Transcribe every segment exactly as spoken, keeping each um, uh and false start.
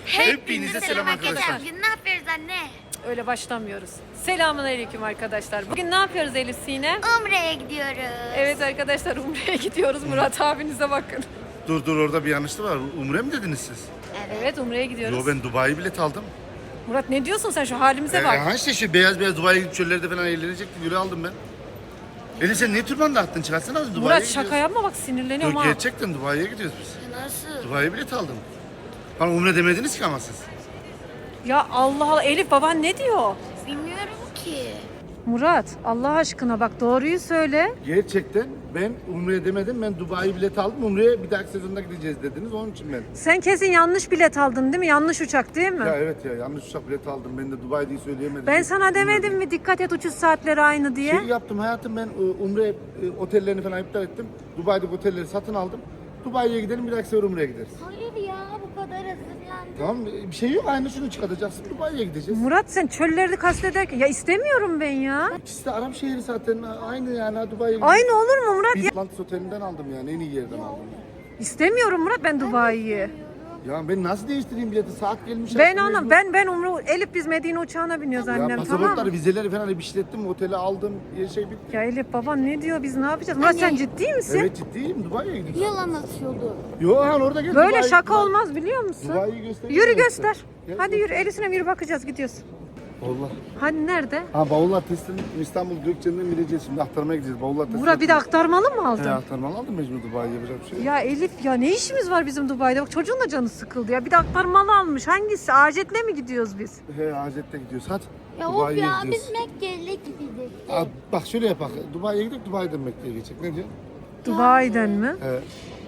Hepinize selam arkadaşlar. Bugün ne yapıyoruz anne? Öyle başlamıyoruz. Selamünaleyküm arkadaşlar. Bugün ne yapıyoruz Elif Sinem? Umre'ye gidiyoruz. Evet arkadaşlar, Umre'ye gidiyoruz. Murat abinize bakın. Dur dur orada bir yanlışlık var. Umre mi dediniz siz? Evet, Umre'ye gidiyoruz. Yo, ben Dubai bilet aldım. Murat ne diyorsun sen, şu halimize Ee, bak. ha işte şu beyaz beyaz Dubai'ye gidip çöllerde falan eğlenecektim. Yürü aldım ben. Elif sen ne türban da attın? Çıkarsana Dubai'ye Murat gidiyoruz. şaka yapma bak, sinirleniyorum Yok ha. gerçekten Dubai'ye gidiyoruz biz. Nasıl? Dubai'ye bilet aldım. Bana Umre demediniz ki ama siz. Ya Allah Allah, Elif baban ne diyor? Bilmiyorum ki. Murat Allah aşkına bak, doğruyu söyle. Gerçekten ben Umre'ye demedim. Ben Dubai bilet aldım. Umre'ye bir dahaki sezonda gideceğiz dediniz. Onun için ben. Sen kesin yanlış bilet aldın değil mi? Yanlış uçak değil mi? Ya evet ya yanlış uçak bileti aldım. Ben de Dubai diye söyleyemedim. Ben sana demedim mi dikkat et uçuş saatleri aynı diye? Şey yaptım hayatım, ben e, Umre e, otellerini falan iptal ettim. Dubai'deki otelleri satın aldım. Dubai'ye gidelim, bir dahaki sefer Umre'ye gideriz. Hayır ya, bu kadar hazırlandım. Tamam, bir şey yok, aynı şunu çıkartacaksın, Dubai'ye gideceğiz. Murat sen çölleri kastederken ya istemiyorum ben ya. İkisi de Arap şehri zaten, aynı yani, ha, Dubai'ye gideceğiz. Aynı olur mu Murat? Bir Ya, Atlantis Oteli'nden aldım yani, en iyi yerden aldım. istemiyorum Murat ben Dubai'yi. Ya ben nasıl değiştireyim bileti, saat gelmiş. Ben artık anam mecbur. ben ben Umre Elif biz Medine uçağına biniyoruz Ya annem, pasaportları, tamam mı? vizeleri falan hep işlettim, oteli aldım, her şey bitti. Ya Elif baban ne diyor, biz ne yapacağız? Murat sen ciddi misin? Evet ciddiyim, Dubai'ye gidiyoruz. Yalan atıyordu. Yo han orada gel. Böyle Dubai- şaka Dubai- olmaz biliyor musun? Dubai'yi göstereyim Yürü mi göster. size? Gel, Hadi göster. yürü, Elif'ine yürü, bakacağız, gidiyoruz. Allah. Hani nerede? Ha bavullar teslim, İstanbul Gökçen'den bineceğiz şimdi, aktarmaya gideceğiz. Bavullar teslim. Murat bir de aktarmalı mı aldın? He, aktarmalı aldım, mecbur Dubai'ye yapacak bir şey yok. Ya Elif ya ne işimiz var bizim Dubai'de? Bak çocuğun da canı sıkıldı ya. Bir de aktarmalı almış. Hangisi? Acetle mi gidiyoruz biz? He, Hacet'te gidiyoruz. Hadi. Ya of Dubai'ye ya, gidiyoruz. biz Mekke'yle gideceğiz. Aa, bak şöyle yapak. Dubai'ye gidip Dubai'den Mekke'ye geçecek. Ne diyor? Dubai'den mi? He.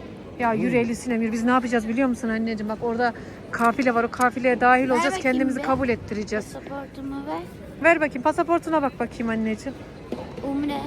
Ya yürü Elif Sinem, biz ne yapacağız biliyor musun anneciğim? Bak orada kafile var, o kafileye dahil olacağız, bakayım kendimizi bir. kabul ettireceğiz. Pasaportumu ver. Ver bakayım, pasaportuna bak bakayım anneciğim. Umre.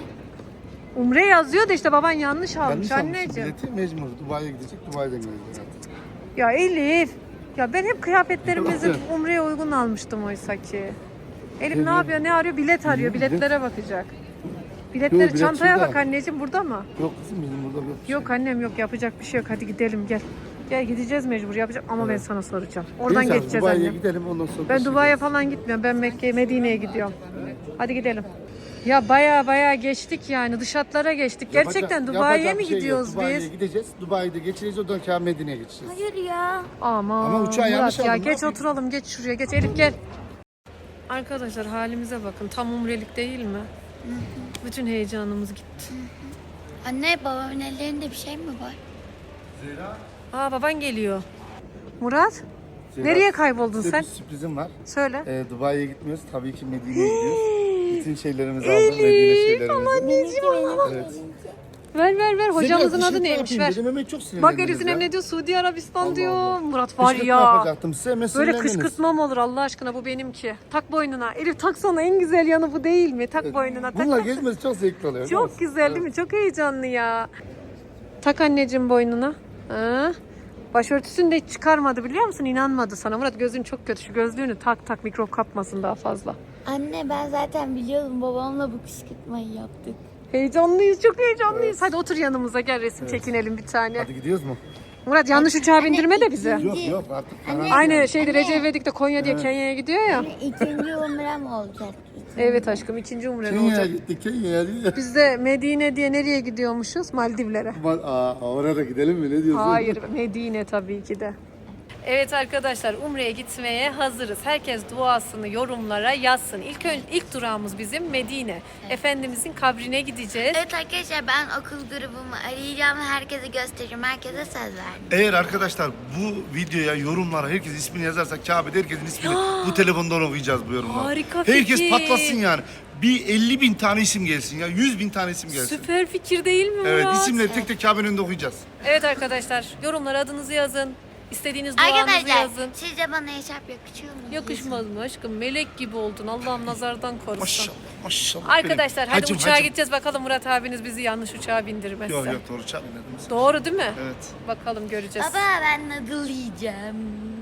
Umre yazıyor da işte baban yanlış almış Yanlış almışsın anneciğim. bileti, mecbur. Dubai'ye gidecek, Dubai'den gelecek. Ya Elif, ya ben hep kıyafetlerimizi Umre'ye uygun almıştım oysa ki. Elif ne Evet. yapıyor, ne arıyor? Bilet arıyor, Bilet. biletlere bakacak. Yok, Biletleri, bilet çantaya şurada. bak anneciğim, burada mı? Yok kızım, bizim burada yok. bir şey. Yok annem yok, yapacak bir şey yok, hadi gidelim gel. Gel gideceğiz mecbur, yapacak ama ben Evet. sana soracağım. Oradan Neyse abi, geçeceğiz Dubai'ye annem. gidelim, ondan sonra. Ben şey Dubai'ye yaparız. falan gitmiyorum. Ben Mekke'ye, Medine'ye gidiyorum. Hadi gidelim. Ya baya baya geçtik yani. Dış hatlara geçtik. Yapacak- Gerçekten Dubai'ye yapacak mi bir şey yok. gidiyoruz Dubai'ye biz? gideceğiz. Dubai'de geçeceğiz, oradan kâr Medine'ye geçeceğiz. Hayır ya. Aman Ama uçağı yanlış Murat ya, aldım, ne geç yapayım? oturalım, geç şuraya, geç Elif gel. Arkadaşlar halimize bakın, tam umrelik değil mi? Bütün heyecanımız gitti. Anne, babamın ellerinde bir şey mi var? Zehra. Aa baban geliyor. Murat Zehra, nereye kayboldun size sen? bir sürprizim var. Söyle. Ee, Dubai'ye gitmiyoruz. Tabii ki Medine'ye gidiyoruz. Bütün şeylerimizi aldım. Medine şeylerimizi. Evet. Ver ver ver, hocamızın Size adı biraz bir şey neymiş, yapayım ver. dedim, hemen çok Bak sinirlendiniz Elif Sinem ya. ne diyor? Suudi Arabistan Allah diyor. Allah. Murat var Kışkırtma ya. yapacaktım size, hemen Böyle sinirlendiniz. kışkırtma mı olur Allah aşkına, bu benimki. Tak boynuna. Elif taksana, en güzel yanı bu değil mi? Tak boynuna. Tak, Bunlar tak. gezmesi çok zevkli oluyor. biliyor Çok musun? güzel değil mi? Çok heyecanlı ya. Tak anneciğim boynuna. Ha? Başörtüsünü de hiç çıkarmadı biliyor musun? İnanmadı sana. Murat gözün çok kötü. Şu gözlüğünü tak tak, mikrop kapmasın daha fazla. Anne, ben zaten biliyordum, babamla bu kışkırtmayı yaptık. Heyecanlıyız, çok heyecanlıyız. Hadi otur yanımıza, gel resim çekinelim bir tane. Hadi gidiyoruz mu? Murat yanlış uçağa bindirme de bizi. Yok yok artık. Anne. Aynı şeyde Anne. Recep İvedik de Konya diye Kenya'ya gidiyor ya. İkinci umrem olacak. Evet aşkım, ikinci umre Kenya'ya olacak. gittik, Kenya'ya değil. Biz de Medine diye nereye gidiyormuşuz? Maldivlere. Aa, oraya da gidelim mi? Ne diyorsun? Hayır, Medine tabii ki de. Evet arkadaşlar, Umre'ye gitmeye hazırız. Herkes duasını yorumlara yazsın. İlk ön- ilk durağımız bizim Medine. Efendimizin kabrine gideceğiz. Evet arkadaşlar, ben okul grubumu arayacağım ve herkese göstereceğim. Herkese söz verdim. Eğer arkadaşlar bu videoya yorumlara herkes ismini yazarsa Kabe'de herkesin ismini bu telefondan okuyacağız bu yorumları. Harika Herkes fikir. patlasın yani. Bir elli bin tane isim gelsin ya. yüz bin tane isim gelsin. Süper fikir değil mi Murat? Evet, isimleri tek tek Kabe'nin önünde okuyacağız. Evet arkadaşlar, yorumlara adınızı yazın. İstediğiniz duanızı Arkadaşlar, yazın. sizce bana eşarp yakışıyor mu? Yakışmaz mı aşkım? Melek gibi oldun. Allah'ım nazardan korusun. Maşallah maşallah. Arkadaşlar benim. hadi Hacım, uçağa hacım. gideceğiz, bakalım Murat abiniz bizi yanlış uçağa bindirmezse. Yok yok doğru uçağa binelim. Doğru değil mi? Evet. Bakalım göreceğiz. Baba, ben noodle yiyeceğim.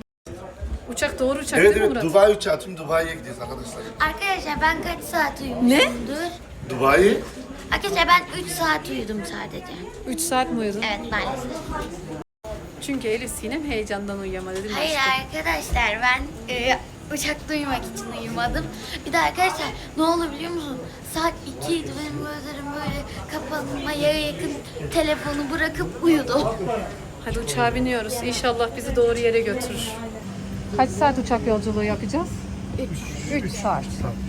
Uçak doğru uçak Evet değil mi evet Murat? Dubai uçağı. Tüm Dubai'ye gidiyoruz arkadaşlar. Arkadaşlar, ben kaç saat uyumuşumdur? Dubai? Arkadaşlar, ben üç saat uyudum sadece. üç saat mi uyudun? Evet, maalesef. Çünkü Elif Sinem heyecandan uyuyamadı değil mi Hayır aşkım? arkadaşlar ben e, uçakta uyumak için uyumadım. Bir de arkadaşlar ne oldu biliyor musun? Saat ikiydi benim gözlerim böyle kapanmaya yakın telefonu bırakıp uyudum. Hadi uçağa biniyoruz. İnşallah bizi doğru yere götürür. Kaç saat uçak yolculuğu yapacağız? üç saat.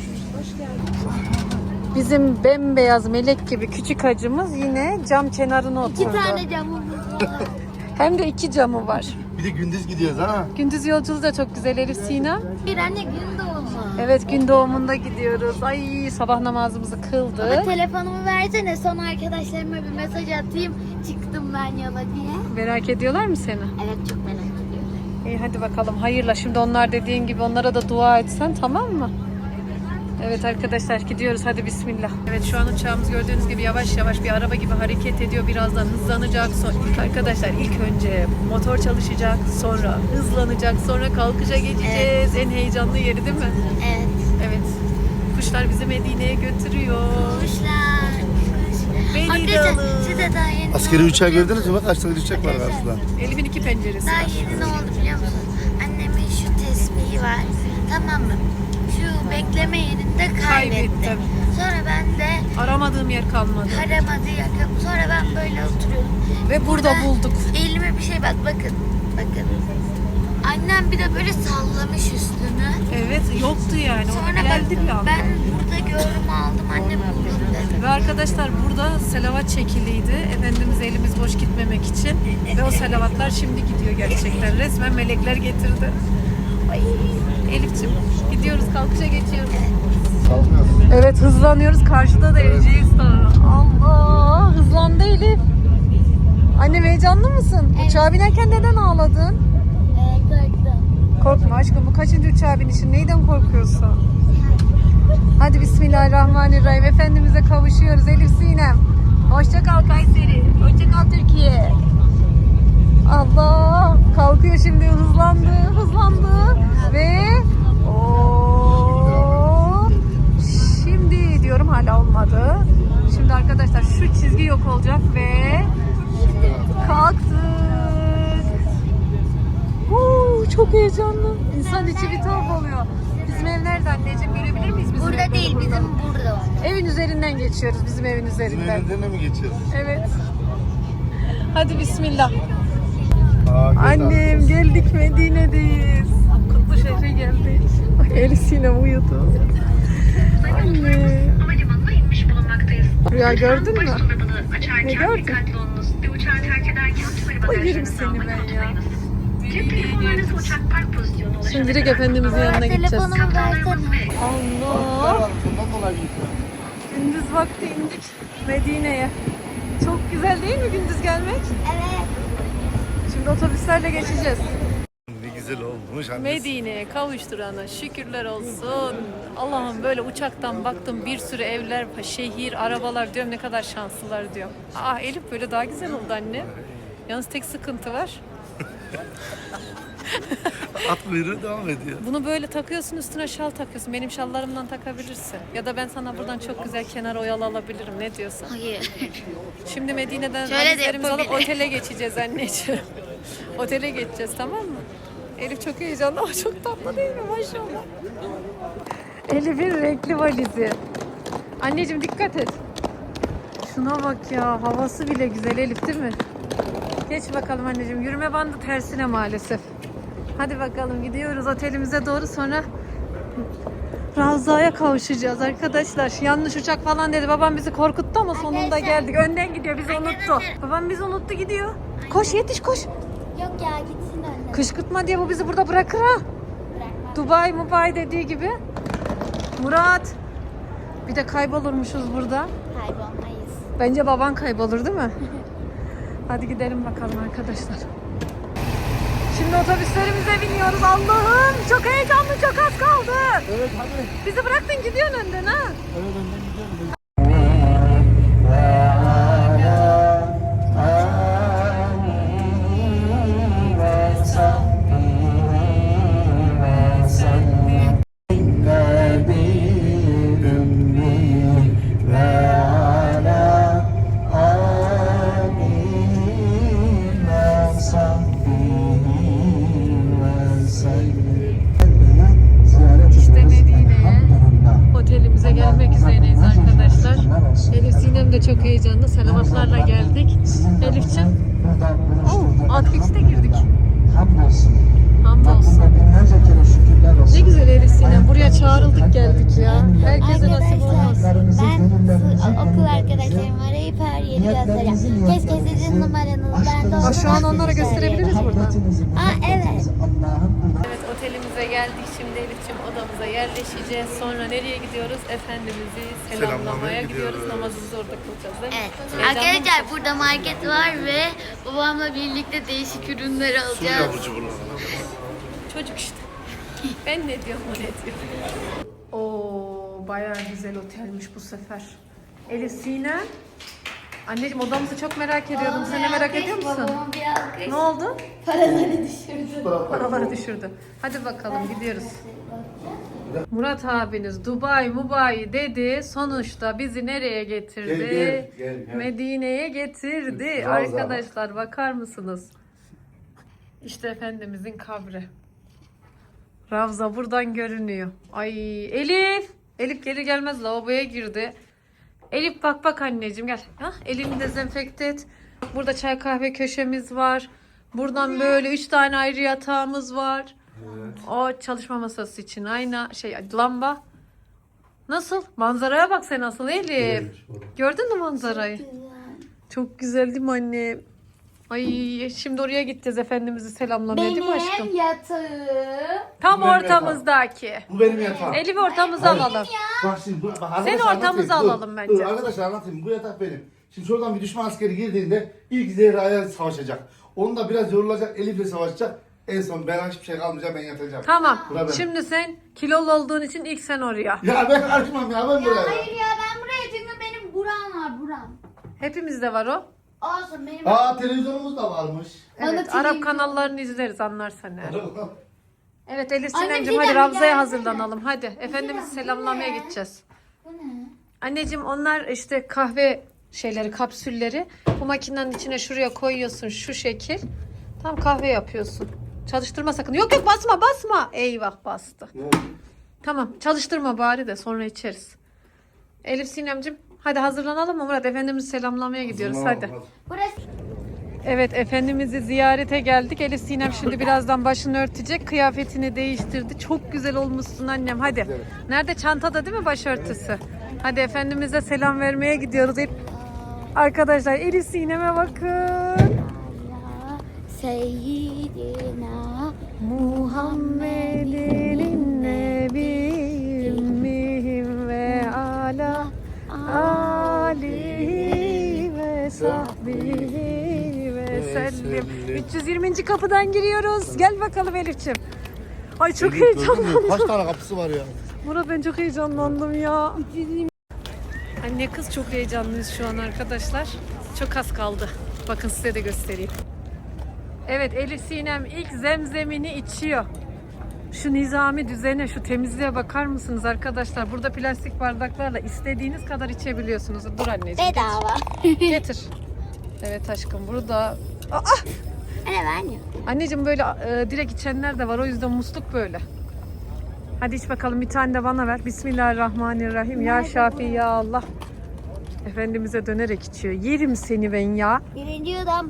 Bizim bembeyaz melek gibi küçük hacımız yine cam kenarına oturdu. İki tane camımız var. Hem de iki camı var. Bir de gündüz gidiyoruz ha. Gündüz yolculuğu da çok güzel Elif Sinem. Bir anne gün doğumu. Evet gün doğumunda gidiyoruz. Ay sabah namazımızı Baba kıldık. telefonumu versene son arkadaşlarıma bir mesaj atayım. Çıktım ben yola diye. Merak ediyorlar mı seni? Evet çok merak ediyorum. İyi hadi bakalım hayırla. Şimdi onlar dediğin gibi onlara da dua etsen tamam mı? Evet arkadaşlar gidiyoruz hadi bismillah. Evet şu an uçağımız gördüğünüz gibi yavaş yavaş bir araba gibi hareket ediyor. Birazdan hızlanacak. Son... İlk arkadaşlar ilk önce motor çalışacak. Sonra hızlanacak. Sonra kalkışa geçeceğiz. En heyecanlı yeri değil mi? Evet. Evet. Kuşlar bizi Medine'ye götürüyor. Kuşlar. Beni de Arkadaşlar alın. size daha yeni Askeri uçağı gördünüz mü? Bak askeri uçak var karşıda. Elif'in iki penceresi Daha var. yeni ne oldu biliyor musun? Annemin şu tespihi var. Tamam mı? Şu bekleme yerinde kaybettim. Kaybettim. Sonra ben de Aramadığım yer kalmadı. aramadı yakın. Sonra ben böyle oturuyordum. Ve burada bulduk. Elime bir şey bak bakın. Bakın. Annem bir de böyle sallamış üstünü. Evet yoktu yani. O Sonra geldi ben, bir anda. ben burada gördüm aldım annem buldum dedi. Ve arkadaşlar burada selavat çekiliydi. Efendimiz elimiz boş gitmemek için. Ve o selavatlar şimdi gidiyor gerçekten. Resmen melekler getirdi. Ay Elif'ciğim gidiyoruz kalkışa geçiyoruz. Evet hızlanıyoruz. Karşıda da Erciyes Dağı. Allah hızlandı Elif. Annem heyecanlı mısın? Evet. Uçağa binerken neden ağladın? Ee, korktum. Korkma aşkım bu kaçıncı uçağa binişin? Neyden korkuyorsun? Hadi bismillahirrahmanirrahim. Efendimiz'e kavuşuyoruz Elif Sinem. Hoşça kal Kayseri. Hoşça kal Türkiye. Allah kalkıyor şimdi hızlandı hızlandı ve o şimdi diyorum hala olmadı. Şimdi arkadaşlar şu çizgi yok olacak ve kalktık. Huu, çok heyecanlı. İnsan içi bir tuhaf oluyor. Bizim ev nerede anneciğim görebilir miyiz? Bizim ev Burada değil burada. bizim burada var. Evin üzerinden geçiyoruz bizim evin Bizim üzerinden. önünden mi geçiyoruz? Evet. Hadi bismillah. Aa, Annem geldik Medine'deyiz. Kutlu şehre geldik. Elif Sinem uyudu. Anne. Havalimanına inmiş bulunmaktayız. Rüya gördün mü? Baş dolabını açarken Ne gördün? dikkatli olunuz. Bir uçağı terk ederken tüm Ay yerim bagajlarınızı seni almayı ben ya. unutmayınız. Cep telefonlarınızı uçak park pozisyonuna ulaşana Şimdi direkt kadar Efendimizin yanına Baba gideceğiz. telefonumu versene. Allah. Bundan dolayı gidiyor. Gündüz vakti indik Medine'ye. Çok güzel değil mi gündüz gelmek? Evet. Şimdi otobüslerle geçeceğiz. Ne güzel olmuş annesi. Medine'ye kavuşturana şükürler olsun. Allah'ım böyle uçaktan baktım bir sürü evler, şehir, arabalar diyorum ne kadar şanslılar diyorum. Ah Elif böyle daha güzel oldu anne. Yalnız tek sıkıntı var. At kuyruğu devam ediyor. Bunu böyle takıyorsun üstüne şal takıyorsun. Benim şallarımdan takabilirsin. Ya da ben sana buradan çok güzel kenar oyalı alabilirim. Ne diyorsun? Hayır. Şimdi Medine'den Şöyle de valizlerimizi alıp yapabilirim. otele geçeceğiz anneciğim. Otele geçeceğiz tamam mı? Elif çok heyecanlı ama çok tatlı değil mi maşallah. Elif'in renkli valizi. Anneciğim dikkat et. Şuna bak ya havası bile güzel Elif değil mi? Geç bakalım anneciğim. Yürüme bandı tersine maalesef. Hadi bakalım gidiyoruz otelimize doğru sonra Ravza'ya kavuşacağız arkadaşlar. Yanlış uçak falan dedi. Babam bizi korkuttu ama sonunda Arkadaşlar. geldik. Önden gidiyor bizi unuttu. Arkadaşlar. Babam bizi unuttu gidiyor. Koş yetiş koş. Yok ya gitsin anne. Kışkırtma diye bu bizi burada bırakır ha. Bırakma. Dubai Mubai dediği gibi. Murat. Bir de kaybolurmuşuz burada. Kaybolmayız. Bence baban kaybolur değil mi? Hadi gidelim bakalım arkadaşlar. Şimdi otobüslerimize biniyoruz. Allah'ım çok heyecanlı çok az kaldı. Evet hadi. Bizi bıraktın gidiyorsun önden ha. Evet önden gidiyorum. İşte Medine'ye, otelimize gelmek üzereyiz arkadaşlar. Elif Sinem de çok heyecanlı. Selamatlarla geldik. Elif'ciğim, oh, Outfix'te girdik. Hamdolsun. Ne güzel Elif Sinem. Buraya çağrıldık geldik ya. Herkese nasip olmaz. Ben okul arkadaşlarımı arayıp her yeri göstereceğim. Keşke sizin numaranız bende Aa, olsa. şu an onlara gösterebiliriz burada. Aa evet. Evet, otelimize geldik. Şimdi Elif'ciğim odamıza yerleşeceğiz. Sonra nereye gidiyoruz? Efendimiz'i selamlamaya Selamlamaya gidiyoruz. gidiyoruz. Namazımızı orada kılacağız değil mi? Evet. Heyecanlı Arkadaşlar mısın? burada market var ve babamla birlikte değişik ürünler alacağız. Çocuk işte. Ben ne diyorum, o ne diyor. Oo, bayağı güzel otelmiş bu sefer. Elif Sinem. Anneciğim, odamızı çok merak ediyordum. Sen de merak ediyor musun? Babamın bir alkış. Ne oldu? Paraları düşürdü. Paraları düşürdü. Hadi bakalım, gidiyoruz. Murat abiniz Dubai Mubai dedi. Sonuçta bizi nereye getirdi? Gel, gel, gel, gel. Medine'ye getirdi. Ravza. Arkadaşlar bakar mısınız? İşte Efendimizin kabri. Ravza buradan görünüyor. Ay Elif. Elif geri gelmez, lavaboya girdi. Elif bak bak anneciğim gel. Hah, elini dezenfekte et. Burada çay kahve köşemiz var. Buradan böyle üç tane ayrı yatağımız var. Evet. O çalışma masası için ayna şey lamba. Nasıl? Manzaraya bak sen nasıl Elif. Gördün mü manzarayı? Çok güzel değil mi anne? Ay şimdi oraya gideceğiz Efendimiz'i selamlamaya değil mi aşkım? Benim yatağım. Tam Benim ortamızdaki. Bu benim yatağım. Elif'i ortamıza alalım. Bak şimdi bu, bak, Seni arkadaşlar ortamıza anlatayım. alalım Dur, bence. Dur, arkadaşlar anlatayım. Bu yatak benim. Şimdi şuradan bir düşman askeri girdiğinde ilk Zehra'ya savaşacak. Onu da biraz yorulacak. Elif'le savaşacak. En son ben hiçbir şey kalmayacak, ben yatacağım. Tamam. Bura ben. Şimdi sen kilolu olduğun için ilk sen oraya. Ya ben karışmam ya, ben buraya. Hayır ya ben buraya çünkü benim buram var buram. Hepimizde var o. Olsun benim. Aa, televizyonumuz da varmış. Bana Evet, T V Arap kanallarını izleriz anlarsan eğer. Evet Elif Anne, Sinemciğim bir hadi dakika, Ravza'ya gelsene. hazırlanalım. Hadi Efendimiz dakika, selamlamaya bu ne? gideceğiz. Bu ne? Anneciğim onlar işte kahve şeyleri, kapsülleri. Bu makinenin içine şuraya koyuyorsun şu şekil. Tam kahve yapıyorsun. Çalıştırma sakın. Yok yok basma basma. Eyvah bastı. Ne oldu? Tamam çalıştırma bari de sonra içeriz. Elif Sinemciğim hadi hazırlanalım mı Murat? Efendimizi selamlamaya gidiyoruz hadi. Burası. Evet Efendimiz'i ziyarete geldik. Elif Sinem şimdi birazdan başını örtecek. Kıyafetini değiştirdi. Çok güzel olmuşsun annem hadi. Nerede? Çantada değil mi başörtüsü? Hadi Efendimiz'e selam vermeye gidiyoruz. Arkadaşlar Elif Sinem'e bakın. Seyyidina Muhammedin nebiyim ve ala alihi ve sahbihi ve sellim. üç yüz yirminci kapıdan giriyoruz. Gel bakalım Elif'ciğim. Ay çok heyecanlandım. Kaç tane kapısı var ya? Murat ben çok heyecanlandım ya. Anne kız çok heyecanlıyız şu an arkadaşlar. Çok az kaldı. Bakın size de göstereyim. Evet Elif Sinem ilk zemzemini içiyor. Şu nizami düzene, şu temizliğe bakar mısınız arkadaşlar? Burada plastik bardaklarla istediğiniz kadar içebiliyorsunuz. Dur anneciğim. bedava. Getir. Evet aşkım burada. Aa! Anne ben ya. Anneciğim böyle e, direkt içenler de var. O yüzden musluk böyle. Hadi iç bakalım bir tane de bana ver. Bismillahirrahmanirrahim. Ya Şafi ya Allah. Efendimiz'e dönerek içiyor. Yerim seni ben ya. Birinci yudum.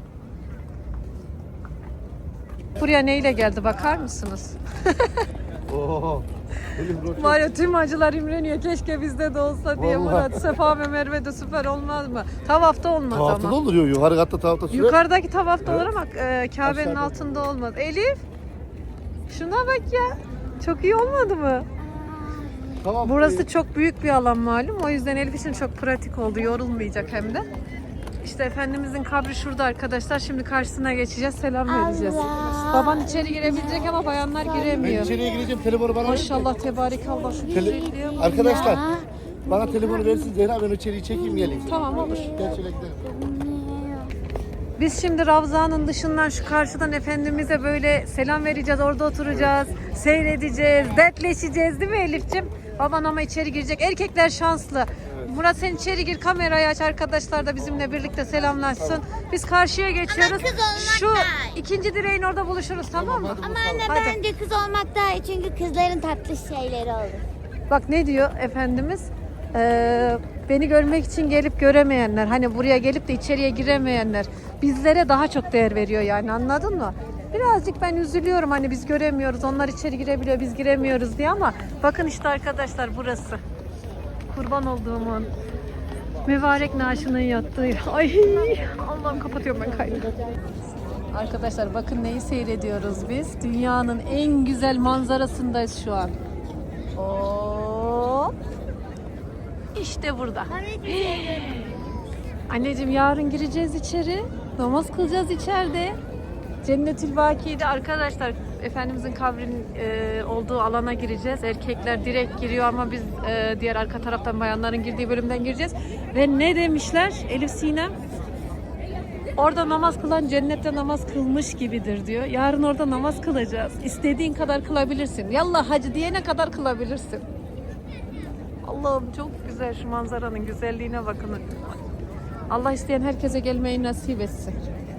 Buraya neyle geldi bakar mısınız? Oo. Elif roşet. Var ya tüm acılar imreniyor. Keşke bizde de olsa diye Vallahi. Murat. Sefa ve Merve de süper olmaz mı? Tavafta olmaz Tavafta ama. da olur ya, yukarı katta tavafta sürer. Yukarıdaki tavafta Evet. olur ama e, Kabe'nin Aşağıda. altında olmaz. Elif şuna bak ya. Çok iyi olmadı mı? Tamam. Burası çok büyük bir alan malum. O yüzden Elif için çok pratik oldu. Yorulmayacak hem de. İşte Efendimizin kabri şurada arkadaşlar. Şimdi karşısına geçeceğiz. Selam vereceğiz. Baban içeri girebilecek ama bayanlar Ben giremiyor. içeriye gireceğim, telefonu bana ver. Maşallah tebarekallah. Şu Tele- güzelliğe bak. Arkadaşlar bana telefonu versin Zehra, ben içeriği çekeyim geleyim. Tamam olur. Gel şöyle gidelim. Biz şimdi Ravza'nın dışından şu karşıdan Efendimiz'e böyle selam vereceğiz. Orada oturacağız. Seyredeceğiz. Dertleşeceğiz değil mi Elif'ciğim? Baban ama içeri girecek. Erkekler şanslı. Murat sen içeri gir, kamerayı aç, arkadaşlar da bizimle birlikte selamlaşsın. Biz karşıya geçiyoruz. kız olmak Şu daha iyi. ikinci direğin orada buluşuruz, tamam mı? hadi Ama bakalım. anne Hadi. bence kız olmak daha iyi çünkü kızların tatlı şeyleri olur. Bak ne diyor Efendimiz? Ee, beni görmek için gelip göremeyenler, hani buraya gelip de içeriye giremeyenler bizlere daha çok değer veriyor yani, anladın mı? Birazcık ben üzülüyorum hani biz göremiyoruz, onlar içeri girebiliyor, biz giremiyoruz diye, ama bakın işte arkadaşlar burası. Kurban olduğumun mübarek naaşının yattığı. Ay Allah'ım, kapatıyorum ben kaydı. Arkadaşlar bakın neyi seyrediyoruz biz. Dünyanın en güzel manzarasındayız şu an. Oo. İşte burada. Anneciğim yarın gireceğiz içeri. Namaz kılacağız içeride. Cennetül Baki'de arkadaşlar Efendimizin kabrinin e, olduğu alana gireceğiz. Erkekler direkt giriyor ama biz e, diğer arka taraftan bayanların girdiği bölümden gireceğiz. Ve ne demişler Elif Sinem? Orada namaz kılan cennette namaz kılmış gibidir diyor. Yarın orada namaz kılacağız. İstediğin kadar kılabilirsin. Yallah hacı diyene kadar kılabilirsin. Allah'ım çok güzel, şu manzaranın güzelliğine bakın. Allah isteyen herkese gelmeyi nasip etsin.